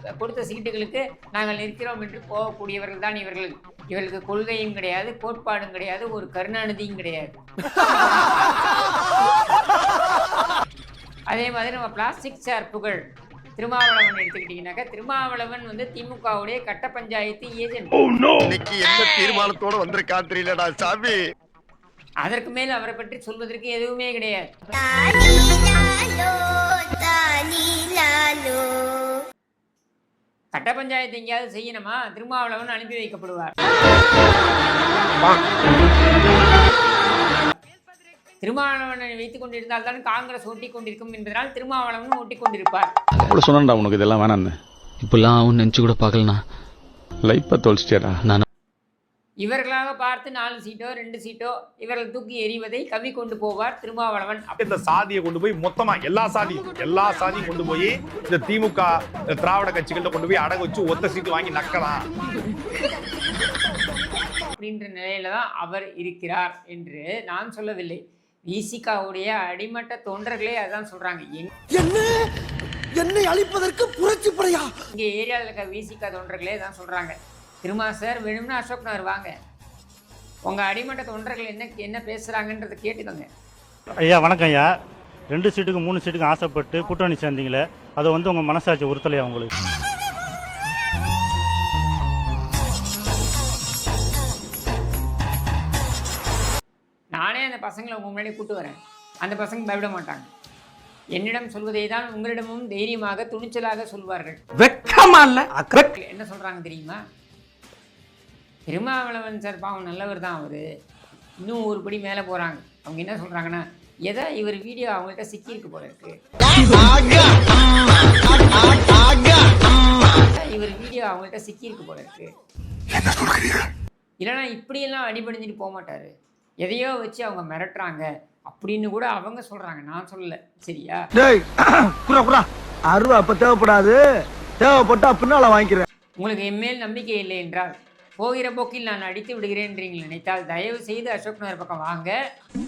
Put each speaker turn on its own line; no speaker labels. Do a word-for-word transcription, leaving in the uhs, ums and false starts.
கொடுத்த சீட்டுகளுக்கு நாங்கள் நிற்கிறோம் என்று போகக்கூடியவர்கள் தான் இவர்கள். இவர்களுக்கு கொள்கையும் கிடையாது, கோட்பாடும் கிடையாது, ஒரு கருணாநிதியும் கிடையாது. அதே மாதிரி நம்ம பிளாஸ்டிக் சேர் புகழ் திருமாவளவன் எடுத்துக்கிட்டீங்கன்னாக்கா, திருமாவளவன் வந்து திமுகவுடைய கட்ட பஞ்சாயத்து ஏஜென்ட்.
இன்னைக்கு என்ன தீர்மானத்தோட வந்திருக்கா தெரியலடா சாமி.
அதற்கு மேல் அவரை பற்றி சொல்வதற்கு எதுவுமே கிடையாது. கட்ட பஞ்சாயத்து எங்கேயாவது செய்யணுமா, திருமாவளவன் அனுப்பி வைக்கப்படுவார். திருமாவளவனை வைத்துக் கொண்டிருந்தால் தான் காங்கிரஸ் ஓட்டிக் கொண்டிருக்கும் என்பதனால் திருமாவளவன் ஓட்டிக் கொண்டிருப்பார்.
சொன்னா உனக்கு இதெல்லாம் வேணான்னு
இப்பெல்லாம் அவன் நினைச்சு கூட பார்க்கலண்ணா.
லைஃப்பை தொலைச்சிட்டேடா.
நான்
இவர்களாக பார்த்து நாலு சீட்டோ ரெண்டு சீட்டோ இவர்கள் தூக்கி எறிவதை கவி கொண்டு போவார் திருமாவளவன்.
இந்த சாதியை கொண்டு போய் மொத்தமா எல்லா சாதியும் எல்லா சாதியும் கொண்டு போய் இந்த திமுக திராவிட கட்சிகள்கிட்ட கொண்டு போய் அடகு வச்சு ஒத்த சீட்டு வாங்கி நக்கலாம்
அப்படின்ற நிலையில தான் அவர் இருக்கிறார் என்று நான் சொல்லவில்லை. விசிகாவுடைய அடிமட்ட தொண்டர்களே அதான் சொல்றாங்க.
என்னை அழிப்பதற்கு புரட்சி படையா
இங்க ஏரியாவில் இருக்க விசிகா தொண்டர்களே தான் சொல்றாங்க, திருமா சார் வேணும்னா அசோக் நகர் வாங்க, உங்க அடிமட்ட தொண்டர்கள் என்ன என்ன பேசுறாங்கன்றதை கேட்டுக்கோங்க.
ஐயா வணக்கம் ஐயா. ரெண்டு சீட்டுக்கு மூணு சீட்டுக்கு ஆசைப்பட்டு கூட்டணி சேர்ந்தீங்களே, அதை வந்து உங்க மனசாட்சி உறுத்தலையா உங்களுக்கு?
நானே அந்த பசங்களை உங்க முன்னாடி கூட்டு வரேன், அந்த பசங்க பயப்பட மாட்டாங்க. என்னிடம் சொல்வதை தான் உங்களிடமும் தைரியமாக துணிச்சலாக சொல்வார்கள்.
வெக்கமா இல்ல?
என்ன சொல்றாங்க தெரியுமா, திருமாவளவன் சார் பாவம் நல்லவர் தான் அவரு, இன்னும் ஒரு படி மேலே போறாங்க. அவங்க என்ன சொல்றாங்கன்னா, எதை இவர் வீடியோ அவங்கள்ட்ட சிக்கியிருக்கு போல இருக்கு, இவர் வீடியோ அவங்கள்ட்ட சிக்கியிருக்கு போல இருக்கு, இல்லைன்னா இப்படியெல்லாம் அடிபடிஞ்சிட்டு போக மாட்டாரு, எதையோ வச்சு அவங்க மிரட்டுறாங்க அப்படின்னு கூட அவங்க சொல்றாங்க. நான் சொல்லல, சரியா?
அருவா அப்ப தேவைப்படாது, தேவைப்பட்டா பின்னால வாங்கிக்கிறேன்.
உங்களுக்கு என்மேல் நம்பிக்கை இல்லை என்றால் போகிற போக்கில் நான் அடித்து விடுகிறேன் என்று நீங்கள் நினைத்தால் தயவு செய்து அசோக் நகர் பக்கம் வாங்க.